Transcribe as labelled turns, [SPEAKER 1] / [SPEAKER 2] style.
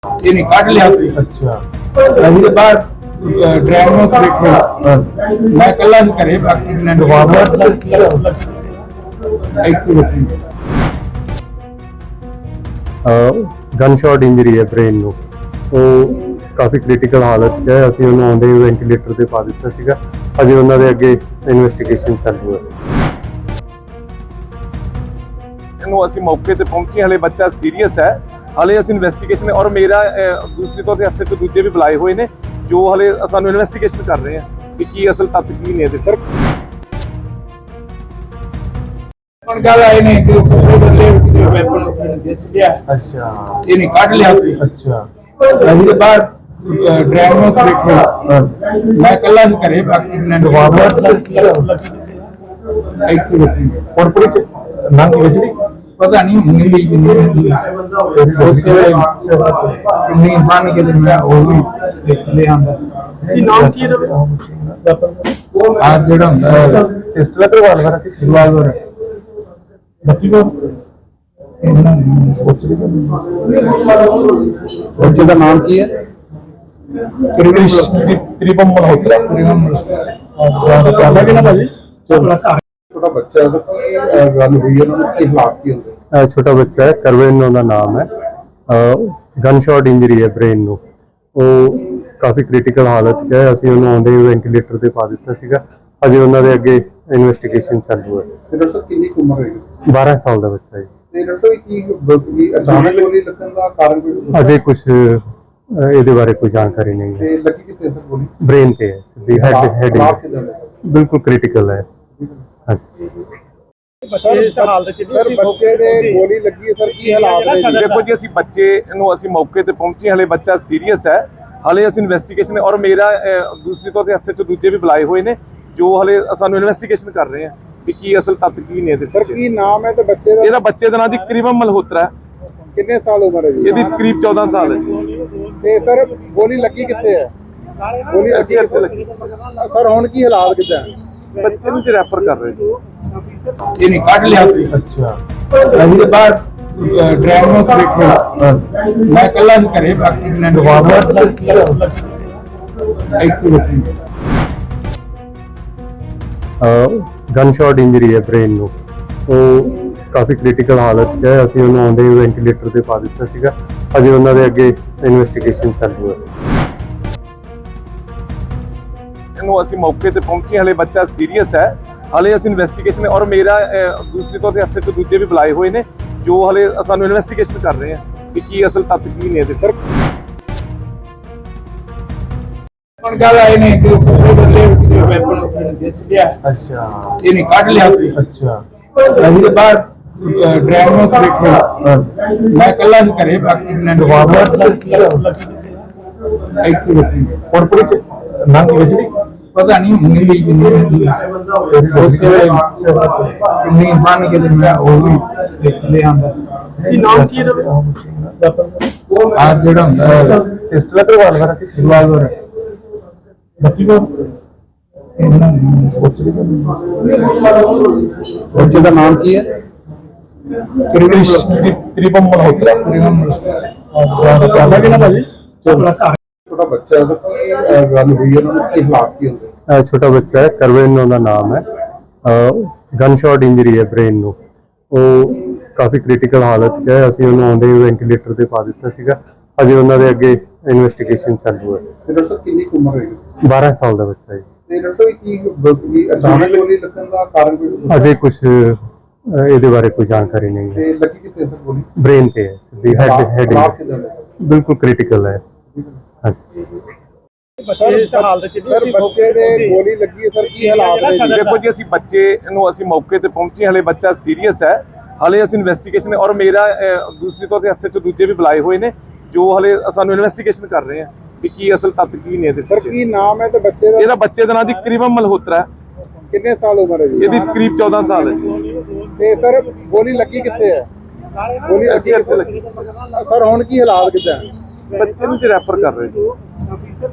[SPEAKER 1] ਇਹਨੇ ਕੱਢ ਲਿਆ।
[SPEAKER 2] ਅੱਛਾ
[SPEAKER 1] ਅਸੀਂ ਤਾਂ ਬਾਹਰ ਡਰਾਈਵਰ ਨੂੰ ਬੈਠੇ, ਮੈਂ ਇਕੱਲਾ ਹੀ ਘਰੇ, ਬਾਕੀ ਨੇ ਇੱਥੇ ਬੈਠੇ।
[SPEAKER 2] ਗਨ ਸ਼ਾਟ ਇੰਜਰੀ ਹੈ ਬ੍ਰੇਨ ਨੂੰ। ਉਹ ਕਾਫੀ ਕ੍ਰਿਟੀਕਲ ਹਾਲਤ 'ਚ ਹੈ। ਅਸੀਂ ਉਹਨੂੰ ਆਉਂਦੇ ਹੀ ਵੈਂਟੀਲੇਟਰ ਤੇ ਪਾ ਦਿੱਤਾ ਸੀਗਾ। ਅਜੇ ਉਹਨਾਂ ਦੇ ਅੱਗੇ ਇਨਵੈਸਟੀਗੇਸ਼ਨ ਚੱਲੂ ਹੈ।
[SPEAKER 3] ਇਹਨੂੰ ਅਸੀਂ ਮੌਕੇ ਤੇ ਪਹੁੰਚੇ, ਹਲੇ ਬੱਚਾ ਸੀਰੀਅਸ ਹੈ। ਹਲੇ ਅਸੀਂ ਇਨਵੈਸਟੀਗੇਸ਼ਨ ਔਰ ਮੇਰਾ ਦੂਸਰੀ ਤੋਂ ਐਸਐਚਓ ਦੂਜੇ ਵੀ ਬੁਲਾਏ ਹੋਏ ਨੇ, ਜੋ ਹਲੇ ਸਾਨੂੰ ਇਨਵੈਸਟੀਗੇਸ਼ਨ ਕਰ ਰਹੇ ਆ ਕਿ ਕੀ ਅਸਲ ਤੱਥ ਕੀ ਨੇ ਇਹਦੇ। ਸਰ
[SPEAKER 1] ਹੁਣ ਗੱਲ ਆਏ ਨੇ ਕਿ ਉਹ ਬੰਦੇ ਵੈਪਨ ਉਹਨੇ ਦਿਸ ਗਿਆ।
[SPEAKER 2] ਅੱਛਾ
[SPEAKER 1] ਇਹਨੇ ਕੱਢ ਲਿਆ।
[SPEAKER 2] ਅੱਛਾ
[SPEAKER 1] ਅਸੀਂ ਤਾਂ ਬਾਹਰ ਡਰਾਈਵਰ ਨੂੰ ਬੈਠੇ, ਮੈਂ ਇਕੱਲਾ ਹੀ ਘਰੇ, ਬਾਕੀ ਨੇ ਇੱਥੇ ਬੈਠੇ।
[SPEAKER 2] ਹੁਣ ਪੁਲਿਸ ਨੰਗ ਵਿੱਚ ਨਹੀਂ
[SPEAKER 1] ਪਤਾ ਨਹੀਂ ਹੁੰਦੀ ਵੀ ਕਿੰਨੀ ਬਣ ਕੇ ਤੇ ਮੈਂ ਉਹ ਵੀ ਲੈ ਆਂਦਾ।
[SPEAKER 2] ਕੀ ਨਾਮ ਕੀ ਹੈ
[SPEAKER 1] ਆ ਜਿਹੜਾ ਹੁੰਦਾ
[SPEAKER 2] ਪਿਸਟਲ ਕਰਵਾ
[SPEAKER 1] ਰਿਵਾਲਵਰ
[SPEAKER 2] ਬੱਤੀ ਕੋ ਬੱਚੇ ਦਾ ਨਾਮ ਕੀ ਹੈ? ਤ੍ਰਿਪਮ ਮਲਹੋਤਰਾ। ਕਹਿੰਦਾ ਕਿ ਨਾ ਭਾਜੀ ਛੋਟਾ ਬੱਚਾ ਗੱਲ ਹੋਈ ਹੈ, ਉਹਨਾਂ ਨੂੰ ਕੀ ਹਾਲਾਤ ਕੀ ਹੁੰਦੇ? ਛੋਟਾ ਬੱਚਾ ਹੈ, ਕਰਵੇਨ ਉਹਦਾ ਨਾਮ ਹੈ। ਗਨ ਸ਼ਾਟ ਇੰਜਰੀ ਹੈ ਬ੍ਰੇਨ ਨੂੰ। ਉਹ ਕਾਫੀ ਕ੍ਰਿਟੀਕਲ ਹਾਲਤ 'ਚ ਹੈ। ਅਸੀਂ ਉਹਨੂੰ ਆਉਂਦੇ ਹੀ ਵੈਂਟੀਲੇਟਰ ਤੇ ਪਾ ਦਿੱਤਾ ਸੀਗਾ। ਅਜੇ ਉਹਨਾਂ ਦੇ ਅੱਗੇ ਇਨਵੈਸਟੀਗੇਸ਼ਨ ਚੱਲੂ ਹੈ।
[SPEAKER 4] ਡਾਕਟਰ ਸਾਹਿਬ ਕਿੰਨੀ ਕੁ ਉਮਰ ਹੋਏਗੀ?
[SPEAKER 2] 12 ਸਾਲ ਦਾ ਬੱਚਾ ਹੈ।
[SPEAKER 4] ਤੇ ਡਾਕਟਰ ਸਾਹਿਬ ਕੀ ਅਚਾਨਕ ਗੋਲੀ ਲੱਗਣ ਦਾ ਕਾਰਨ ਕੋਈ
[SPEAKER 2] ਅਜੇ ਕੁਝ ਇਹਦੇ ਬਾਰੇ ਕੋਈ ਜਾਣਕਾਰੀ ਨਹੀਂ ਹੈ।
[SPEAKER 4] ਤੇ ਲੱਗੀ ਕਿੱਥੇ ਸਰ ਗੋਲੀ?
[SPEAKER 2] ਬ੍ਰੇਨ ਤੇ ਹੈ, ਸਿੱਧੀ ਹੈਡ
[SPEAKER 4] ਹਾਲਾਤ ਕਿੱਦਾਂ ਦੇ?
[SPEAKER 2] ਬਿਲਕੁਲ ਕ੍ਰਿਟੀਕਲ ਹੈ। ਹਾਂਜੀ
[SPEAKER 4] ਸਰ ਬੱਚੇ ਦੇ ਗੋਲੀ ਲੱਗੀ ਹੈ, ਸਰ ਕੀ ਹਾਲਾਤ ਨੇ?
[SPEAKER 3] ਦੇਖੋ ਜੀ, ਅਸੀਂ ਬੱਚੇ ਨੂੰ ਅਸੀਂ ਮੌਕੇ ਤੇ ਪਹੁੰਚੇ, ਹਲੇ ਬੱਚਾ ਸੀਰੀਅਸ ਹੈ। ਹਲੇ ਅਸੀਂ ਇਨਵੈਸਟੀਗੇਸ਼ਨ ਔਰ ਮੇਰਾ ਦੂਸਰੀ ਤੋਂ ਐਸਐਚਓ ਦੂਜੇ ਵੀ ਬੁਲਾਏ ਹੋਏ ਨੇ, ਜੋ ਹਲੇ ਸਾਨੂੰ ਇਨਵੈਸਟੀਗੇਸ਼ਨ ਕਰ ਰਹੇ ਆ ਕਿ ਕੀ ਅਸਲ ਤੱਥ ਕੀ ਨੇ ਇਹਦੇ।
[SPEAKER 4] ਸਰ ਕੀ ਨਾਮ ਹੈ ਤੇ ਬੱਚੇ ਦਾ?
[SPEAKER 3] ਇਹਦਾ ਬੱਚੇ ਦਾ ਨਾਂ ਜੀ ਕਰੀਬਨ ਮਲਹੋਤਰਾ ਹੈ।
[SPEAKER 4] ਕਿੰਨੇ ਸਾਲ ਉਮਰ ਹੈ ਜੀ?
[SPEAKER 3] ਇਹਦੀ ਤਕਰੀਬ 14 ਸਾਲ ਹੈ ਜੀ।
[SPEAKER 4] ਤੇ ਸਰ ਗੋਲੀ ਲੱਗੀ ਕਿੱਥੇ ਹੈ? ਗੋਲੀ ਲੱਗੀ
[SPEAKER 3] ਸਿਰ 'ਚ ਲੱਗੀ।
[SPEAKER 4] ਸਰ ਹੁਣ ਕੀ ਹਾਲਾਤ ਕਿੱਦਾਂ ਹੈ?
[SPEAKER 3] ਬੱਚੇ ਨੂੰ ਰੈਫਰ ਕਰ ਰਹੇ ਜੀ।
[SPEAKER 1] ਇਹਨੇ ਕੱਢ ਲਿਆ।
[SPEAKER 2] ਅੱਛਾ
[SPEAKER 1] ਅਸੀਂ ਤਾਂ ਬਾਹਰ ਡਰਾਈਵਰ ਨੂੰ ਬੈਠੇ, ਮੈਂ ਇਕੱਲਾ ਹੀ ਘਰੇ, ਬਾਕੀ ਨੇ ਇੱਥੇ ਬੈਠੇ।
[SPEAKER 2] ਗਨ ਸ਼ਾਟ ਇੰਜਰੀ ਹੈ ਬ੍ਰੇਨ ਨੂੰ। ਉਹ ਕਾਫੀ ਕ੍ਰਿਟੀਕਲ ਹਾਲਤ 'ਚ ਹੈ। ਅਸੀਂ ਉਹਨੂੰ ਆਉਂਦੇ ਹੀ ਵੈਂਟੀਲੇਟਰ ਤੇ ਪਾ ਦਿੱਤਾ ਸੀਗਾ। ਅਜੇ ਉਹਨਾਂ ਦੇ ਅੱਗੇ ਇਨਵੈਸਟੀਗੇਸ਼ਨ ਚੱਲੂ ਹੈ।
[SPEAKER 3] ਇਹਨੂੰ ਅਸੀਂ ਮੌਕੇ ਤੇ ਪਹੁੰਚੇ, ਹਲੇ ਬੱਚਾ ਸੀਰੀਅਸ ਹੈ। ਹਲੇ ਅਸੀਂ ਇਨਵੈਸਟੀਗੇਸ਼ਨ ਔਰ ਮੇਰਾ ਦੂਸਰੀ ਤੋਂ ਐਸਐਚਓ ਦੂਜੇ ਵੀ ਬੁਲਾਏ ਹੋਏ ਨੇ, ਜੋ ਹਲੇ ਸਾਨੂੰ ਇਨਵੈਸਟੀਗੇਸ਼ਨ ਕਰ ਰਹੇ ਆ ਕਿ ਕੀ ਅਸਲ ਤੱਥ ਕੀ ਨੇ ਇਹਦੇ। ਸਰ
[SPEAKER 1] ਹੁਣ ਗੱਲ ਆਏ ਨੇ ਕਿ ਉਹ ਬੰਦੇ ਵੈਪਨ ਉਹਨੇ ਦਿਸ ਗਿਆ।
[SPEAKER 2] ਅੱਛਾ
[SPEAKER 1] ਇਹਨੇ ਕੱਢ ਲਿਆ।
[SPEAKER 2] ਅੱਛਾ
[SPEAKER 1] ਅਸੀਂ ਤਾਂ ਬਾਹਰ ਡਰਾਈਵਰ ਨੂੰ ਬੈਠੇ, ਮੈਂ ਇਕੱਲਾ ਹੀ ਘਰੇ, ਬਾਕੀ ਨੇ ਇੱਥੇ ਬੈਠੇ।
[SPEAKER 2] ਹੁਣ ਪੁਲਿਸ ਨੰਗ ਵਿੱਚ ਨਹੀਂ
[SPEAKER 1] ਪਤਾ ਨਹੀਂ ਹੁੰਦੀ ਵੀ ਕਿੰਨੀ ਬਣ ਕੇ ਤੇ ਮੈਂ ਉਹ ਵੀ ਲੈ ਆਂਦਾ।
[SPEAKER 2] ਕੀ ਨਾਮ ਕੀ ਹੈ
[SPEAKER 1] ਆ ਜਿਹੜਾ ਹੁੰਦਾ
[SPEAKER 2] ਪਿਸਟਲ ਕਰਵਾ
[SPEAKER 1] ਰਿਵਾਲਵਰ
[SPEAKER 2] ਬੱਤੀ ਕੋ ਬੱਚੇ ਦਾ ਨਾਮ ਕੀ ਹੈ? ਤ੍ਰਿਪਮ ਮਲਹੋਤਰਾ। ਕਹਿੰਦਾ ਕਿ ਨਾ ਭਾਜੀ
[SPEAKER 4] ਛੋਟਾ ਬੱਚਾ ਗੱਲ ਹੋਈ ਹੈ, ਉਹਨਾਂ ਨੂੰ ਕੀ ਹਾਲਾਤ ਕੀ ਹੁੰਦੇ?
[SPEAKER 2] ਛੋਟਾ ਬੱਚਾ ਹੈ, ਕਰਵੇਨ ਉਹਦਾ ਨਾਮ ਹੈ। ਗਨ ਸ਼ਾਟ ਇੰਜਰੀ ਹੈ ਬ੍ਰੇਨ ਨੂੰ। ਉਹ ਕਾਫੀ ਕ੍ਰਿਟੀਕਲ ਹਾਲਤ 'ਚ ਹੈ। ਅਸੀਂ ਉਹਨੂੰ ਆਉਂਦੇ ਹੀ ਵੈਂਟੀਲੇਟਰ ਤੇ ਪਾ ਦਿੱਤਾ ਸੀਗਾ। ਅਜੇ ਉਹਨਾਂ ਦੇ ਅੱਗੇ ਇਨਵੈਸਟੀਗੇਸ਼ਨ ਚੱਲੂ ਹੈ।
[SPEAKER 4] ਤੇ ਡਾਕਟਰ ਸਾਹਿਬ ਕਿੰਨੀ ਕੁ ਉਮਰ ਹੋਏਗੀ?
[SPEAKER 2] 12 ਸਾਲ ਦਾ ਬੱਚਾ ਹੈ।
[SPEAKER 4] ਤੇ ਡਾਕਟਰ ਸਾਹਿਬ ਕੀ ਅਚਾਨਕ ਗੋਲੀ ਲੱਗਣ ਦਾ ਕਾਰਨ ਕੋਈ
[SPEAKER 2] ਅਜੇ ਕੁਝ ਇਹਦੇ ਬਾਰੇ ਕੋਈ ਜਾਣਕਾਰੀ ਨਹੀਂ ਹੈ।
[SPEAKER 4] ਤੇ ਲੱਗੀ ਕਿੱਥੇ ਸਰ ਗੋਲੀ?
[SPEAKER 2] ਬ੍ਰੇਨ ਤੇ ਹੈ, ਸਿੱਧੀ ਹੈਡ
[SPEAKER 4] ਹਾਲਾਤ ਕਿੱਦਾਂ ਦੇ?
[SPEAKER 2] ਬਿਲਕੁਲ ਕ੍ਰਿਟੀਕਲ ਹੈ। ਹਾਂਜੀ
[SPEAKER 4] ਸਰ ਬੱਚੇ ਦੇ ਗੋਲੀ ਲੱਗੀ ਹੈ, ਸਰ ਕੀ ਹਾਲਾਤ ਨੇ?
[SPEAKER 3] ਦੇਖੋ ਜੀ, ਅਸੀਂ ਬੱਚੇ ਨੂੰ ਅਸੀਂ ਮੌਕੇ ਤੇ ਪਹੁੰਚੇ, ਹਲੇ ਬੱਚਾ ਸੀਰੀਅਸ ਹੈ। ਹਲੇ ਅਸੀਂ ਇਨਵੈਸਟੀਗੇਸ਼ਨ ਔਰ ਮੇਰਾ ਦੂਸਰੀ ਤੋਂ ਐਸਐਚਓ ਦੂਜੇ ਵੀ ਬੁਲਾਏ ਹੋਏ ਨੇ, ਜੋ ਹਲੇ ਸਾਨੂੰ ਇਨਵੈਸਟੀਗੇਸ਼ਨ ਕਰ ਰਹੇ ਆ ਕਿ ਕੀ ਅਸਲ ਤੱਥ ਕੀ ਨੇ ਇਹਦੇ।
[SPEAKER 4] ਸਰ ਕੀ ਨਾਮ ਹੈ ਤੇ ਬੱਚੇ ਦਾ?
[SPEAKER 3] ਇਹਦਾ ਬੱਚੇ ਦਾ ਨਾਂ ਜੀ ਕਰੀਬਨ ਮਲਹੋਤਰਾ ਹੈ।
[SPEAKER 4] ਕਿੰਨੇ ਸਾਲ ਉਮਰ ਹੈ ਜੀ?
[SPEAKER 3] ਇਹਦੀ ਤਕਰੀਬ 14 ਸਾਲ ਹੈ ਜੀ।
[SPEAKER 4] ਤੇ ਸਰ ਗੋਲੀ ਲੱਗੀ ਕਿੱਥੇ ਹੈ? ਗੋਲੀ ਲੱਗੀ
[SPEAKER 3] ਸਿਰ 'ਚ ਲੱਗੀ।
[SPEAKER 4] ਸਰ ਹੁਣ ਕੀ ਹਾਲਾਤ ਕਿੱਦਾਂ ਹੈ?
[SPEAKER 3] ਬੱਚੇ ਨੂੰ ਰੈਫਰ ਕਰ ਰਹੇ ਜੀ।